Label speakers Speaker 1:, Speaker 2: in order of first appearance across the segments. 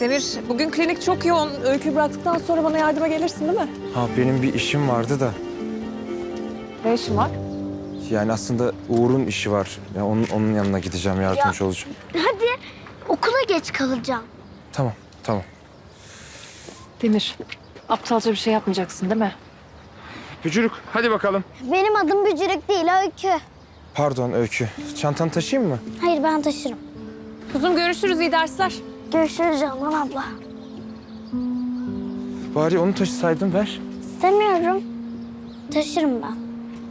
Speaker 1: Demir, bugün klinik çok yoğun. Öyküyü bıraktıktan sonra bana yardıma gelirsin değil mi?
Speaker 2: Ha benim bir işim vardı da.
Speaker 1: Ne işin var?
Speaker 2: Yani aslında Uğur'un işi var. Ya onun yanına gideceğim, yardımcı olacağım.
Speaker 3: Hadi okula geç kalacağım.
Speaker 2: Tamam, tamam.
Speaker 1: Demir, aptalca bir şey yapmayacaksın değil mi?
Speaker 2: Bücürük, hadi bakalım.
Speaker 3: Benim adım Bücürük değil Öykü.
Speaker 2: Pardon Öykü. Çantanı taşıyayım mı?
Speaker 3: Hayır ben taşırım.
Speaker 1: Kuzum görüşürüz, iyi dersler.
Speaker 3: Görüşürüz Canan abla.
Speaker 2: Bari onu taşısaydın, ver.
Speaker 3: İstemiyorum. Taşırım ben.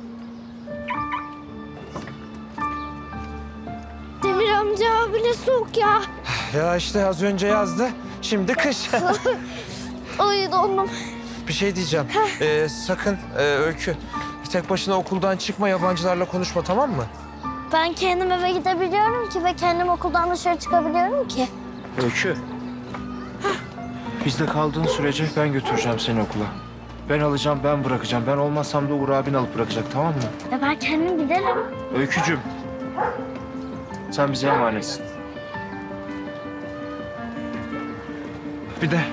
Speaker 3: Demir amca abi ne soğuk ya.
Speaker 2: Ya işte az önce yazdı, şimdi kış.
Speaker 3: Ay dondum.
Speaker 2: Bir şey diyeceğim. Sakın Öykü, tek başına okuldan çıkma, yabancılarla konuşma, tamam mı?
Speaker 3: Ben kendim eve gidebiliyorum ki ve kendim okuldan dışarı çıkabiliyorum ki.
Speaker 2: Öykü. Bizde kaldığın sürece ben götüreceğim seni okula. Ben alacağım, ben bırakacağım. Ben olmazsam da Uğur abin alıp bırakacak, tamam mı?
Speaker 3: Ya ben kendim giderim.
Speaker 2: Öykücüğüm, sen bize emanetsin. Bir de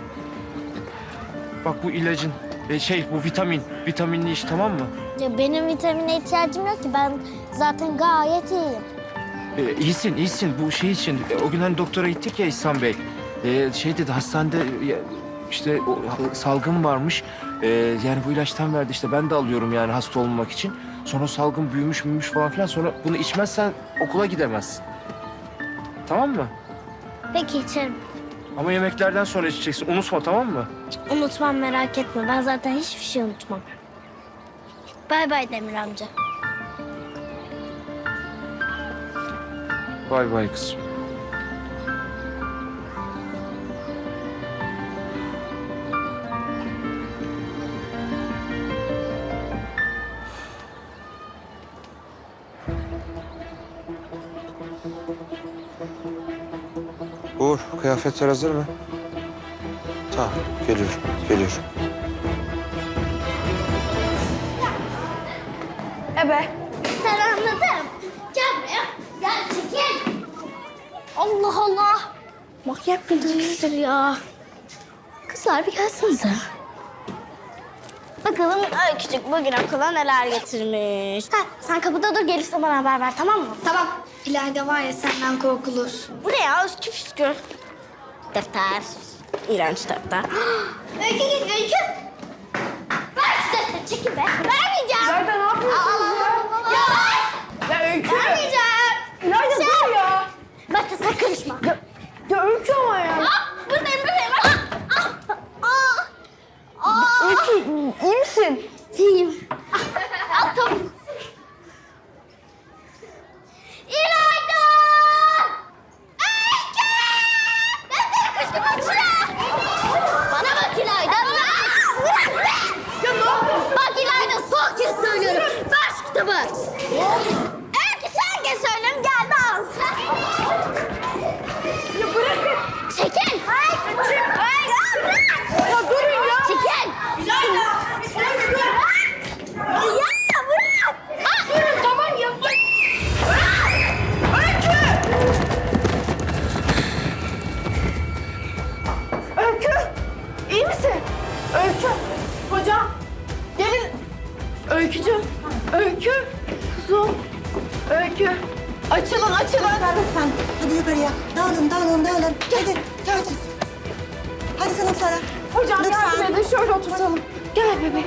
Speaker 2: bak bu ilacın, bu vitaminli iş, tamam mı?
Speaker 3: Ya benim vitamine ihtiyacım yok ki. Ben zaten gayet iyiyim.
Speaker 2: İyisin. Bu şey için, o gün hani doktora gittik ya İhsan Bey. Şey dedi, hastanede işte o salgın varmış. Yani bu ilaçtan verdi işte, ben de alıyorum yani hasta olmamak için. Sonra salgın büyümüş falan filan. Sonra bunu içmezsen okula gidemezsin. Tamam mı?
Speaker 3: Peki içerim.
Speaker 2: Ama yemeklerden sonra içeceksin. Unutma, tamam mı?
Speaker 3: Unutmam merak etme. Ben zaten hiçbir şey unutmam. Bay bay Demir amca.
Speaker 2: Bay bay kızım. Uğur, kıyafetler hazır mı? Tamam, geliyorum.
Speaker 3: Sen anladım. Gel buraya. Gel çekil. Allah Allah. Manyak mıdır nedir ya? Kızlar bir gelsenize. Bakalım küçük bugün okula neler getirmiş. Sen kapıda dur, gelirse bana haber ver, tamam mı? Tamam. İlayda var ya, senden korkulur. Bu ne ya, üskü püskü. Defter. İğrenç defter. Öykü git, Öykü. Ver şu defteri, çekil be. Vermeyeceğim.
Speaker 1: İlayda ne yapıyorsunuz ya? Ya Öykü!
Speaker 3: Vermeyeceğim.
Speaker 1: İlayda dur ya!
Speaker 3: Bak sen karışma.
Speaker 1: Ya Öykü ama ya!
Speaker 3: Buradayım.
Speaker 1: Öykü iyi misin?
Speaker 3: İyiyim. Al tavuk. İlayda! Öykü! Defter kaçtı başına. Bana bak İlayda.
Speaker 1: Ya ne yapıyorsun?
Speaker 3: Bak İlayda, son kez söylüyorum. Ver şu kitabı. Öykü sen kez söylüyorum, gel de al.
Speaker 1: Ya bırakın!
Speaker 3: Çekil. Hayır. Bırak.
Speaker 1: Ya durun ya!
Speaker 3: Çekil.
Speaker 1: İlayda!
Speaker 3: Ya bırak.
Speaker 1: Durun tamam ya! Öykü! Öykü! İyi misin? Öykü! Hocam! Gelin! Öykücüğüm! Öykü! Kuzum! Öykü! Açılın!
Speaker 4: Lütfen. Hadi yukarıya. Dağılın. Hadi. Hadi sınıflara.
Speaker 1: Hocam
Speaker 4: Lütfen.
Speaker 1: yardım edin, şöyle oturtalım. Gel bebeğim.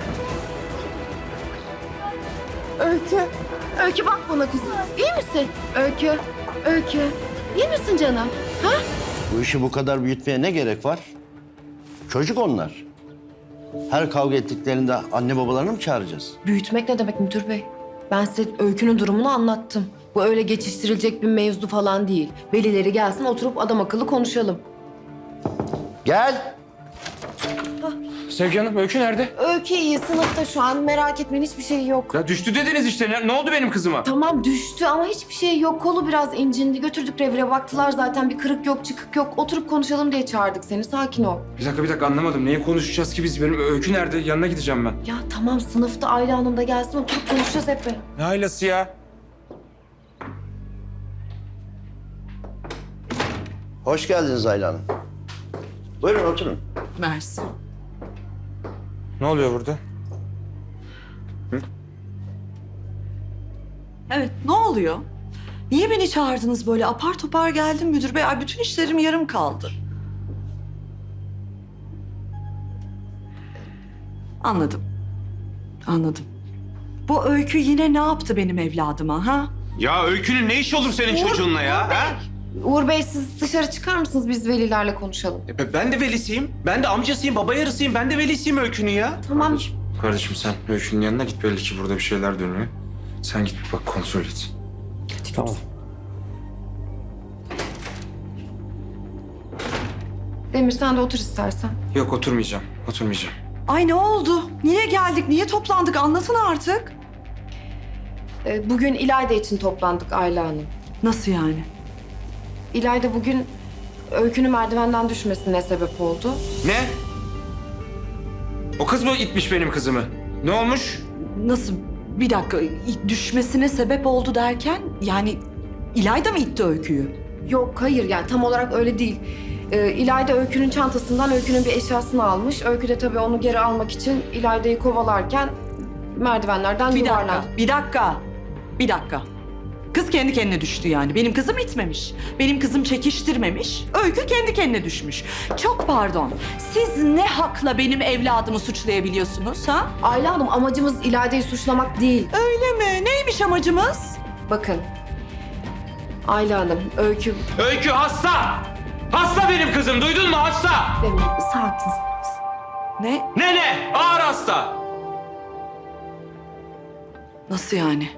Speaker 1: Öykü. Öykü bak bana kızım. İyi misin? Öykü. İyi misin canım? Ha?
Speaker 5: Bu işi bu kadar büyütmeye ne gerek var? Çocuk onlar. Her kavga ettiklerinde anne babalarını mı çağıracağız?
Speaker 6: Büyütmek ne demek müdür bey? Ben size Öykü'nün durumunu anlattım. Bu öyle geçiştirilecek bir mevzu falan değil. Velileri gelsin, oturup adam akıllı konuşalım.
Speaker 5: Gel.
Speaker 2: Sevgi Hanım, Öykü nerede?
Speaker 6: Öykü iyi, sınıfta şu an. Merak etmeyin, hiçbir şey yok.
Speaker 2: Ya düştü dediniz işte. Ne oldu benim kızıma?
Speaker 6: Tamam düştü ama hiçbir şey yok. Kolu biraz incindi. Götürdük revire, baktılar zaten. Bir kırık yok, çıkık yok. Oturup konuşalım diye çağırdık seni. Sakin ol.
Speaker 2: Bir dakika anlamadım. Neyi konuşacağız ki biz? Benim Öykü nerede? Yanına gideceğim ben.
Speaker 6: Ya tamam, sınıfta Ayla Hanım da gelsin. Oturup konuşacağız hep beraber.
Speaker 2: Ne ailesi ya?
Speaker 5: Hoş geldiniz Ayla Hanım. Buyurun oturun.
Speaker 7: Mersi.
Speaker 2: Ne oluyor burada?
Speaker 7: Evet, ne oluyor? Niye beni çağırdınız böyle? Apar topar geldim müdür bey. Ay, bütün işlerim yarım kaldı. Anladım. Anladım. Bu Öykü yine ne yaptı benim evladıma ha?
Speaker 2: Ya Öykü'nün ne işi olur senin çocuğunla ya? Ha?
Speaker 6: Uğur Bey siz dışarı çıkar mısınız? Biz velilerle konuşalım.
Speaker 2: Ben de velisiyim. Ben de amcasıyım, baba yarısıyım. Ben de velisiyim Öykü'nün ya.
Speaker 6: Tamam.
Speaker 8: Kardeşim sen Öykü'nün yanına git. Belli ki burada bir şeyler dönüyor. Sen git bir bak kontrol et.
Speaker 2: Tamam.
Speaker 6: Demir sen de otur istersen.
Speaker 8: Yok oturmayacağım. Oturmayacağım.
Speaker 7: Ay ne oldu? Niye geldik? Niye toplandık? Anlatın artık.
Speaker 6: Bugün İlayda için toplandık Ayla Hanım.
Speaker 7: Nasıl yani?
Speaker 6: İlayda bugün Öykü'nün merdivenden düşmesine sebep oldu.
Speaker 2: Ne? O kız mı itmiş benim kızımı? Ne olmuş?
Speaker 7: Nasıl? Bir dakika. Düşmesine sebep oldu derken yani İlayda mı itti Öykü'yü?
Speaker 6: Yok hayır yani tam olarak öyle değil. İlayda Öykü'nün çantasından Öykü'nün bir eşyasını almış. Öykü de tabii onu geri almak için İlayda'yı kovalarken merdivenlerden
Speaker 7: Bir
Speaker 6: yuvarlandı.
Speaker 7: dakika, bir dakika, bir dakika. Kız kendi kendine düştü yani. Benim kızım itmemiş. Benim kızım çekiştirmemiş. Öykü kendi kendine düşmüş. Çok pardon. Siz ne hakla benim evladımı suçlayabiliyorsunuz ha?
Speaker 6: Ayla Hanım amacımız İlayda'yı suçlamak değil.
Speaker 7: Öyle mi? Neymiş amacımız?
Speaker 6: Bakın. Ayla Hanım, Öykü...
Speaker 2: Öykü hasta! Hasta benim kızım, duydun mu hasta?
Speaker 6: Demir, sakin.
Speaker 7: Ne?
Speaker 2: Ne? Ağır hasta.
Speaker 7: Nasıl yani?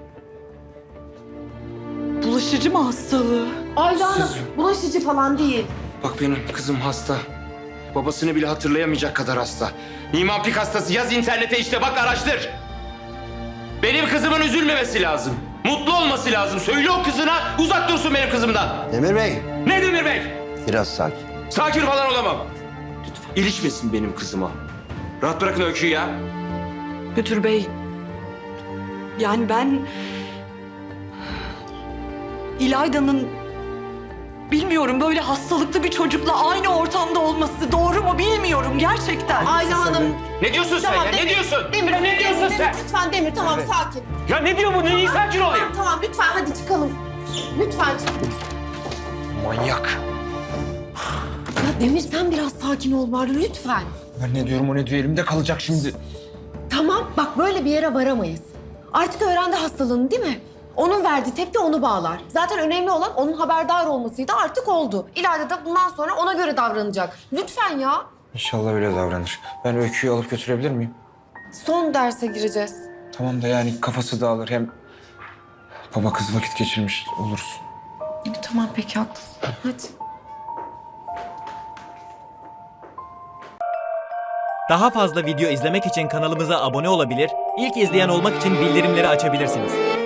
Speaker 7: Bulaşıcı mı hastalığı?
Speaker 6: Ayla Hanım, bulaşıcı falan değil.
Speaker 2: Bak benim kızım hasta. Babasını bile hatırlayamayacak kadar hasta. Niemann-Pick hastası. Yaz internete işte bak araştır. Benim kızımın üzülmemesi lazım. Mutlu olması lazım. Söyle o kızına uzak dursun benim kızımdan.
Speaker 5: Demir Bey,
Speaker 2: Ne Demir Bey?
Speaker 5: biraz sakin.
Speaker 2: Sakin falan olamam. Lütfen. İlişmesin benim kızıma. Rahat bırakın Öykü'yü ya.
Speaker 7: Müdür bey. Yani ben... İlayda'nın... Bilmiyorum böyle hastalıklı bir çocukla aynı ortamda olması doğru mu bilmiyorum gerçekten.
Speaker 6: Ayla Hanım...
Speaker 2: Ne diyorsun sen ya? Ne diyorsun?
Speaker 6: Demir,
Speaker 2: Ne diyorsun sen?
Speaker 6: Lütfen Demir, tamam sakin.
Speaker 2: Ya ne diyor bu? Neyi sakin olayım?
Speaker 6: Tamam, lütfen hadi çıkalım. Lütfen.
Speaker 2: Manyak.
Speaker 6: Ya Demir sen biraz sakin ol bari lütfen.
Speaker 8: Ben ne diyorum o ne diyor elimde kalacak şimdi.
Speaker 6: Tamam, bak böyle bir yere varamayız. Artık öğrendi hastalığını değil mi? Onun verdiği tepki onu bağlar. Zaten önemli olan onun haberdar olmasıydı, artık oldu. İlayda da bundan sonra ona göre davranacak. Lütfen ya.
Speaker 8: İnşallah öyle davranır. Ben Öykü'yü alıp götürebilir miyim?
Speaker 6: Son derse gireceğiz.
Speaker 8: Tamam da yani kafası dağılır hem... Baba kız vakit geçirmiş oluruz.
Speaker 6: Tamam peki haklısın. Hadi.
Speaker 9: Daha fazla video izlemek için kanalımıza abone olabilir, ilk izleyen olmak için bildirimleri açabilirsiniz.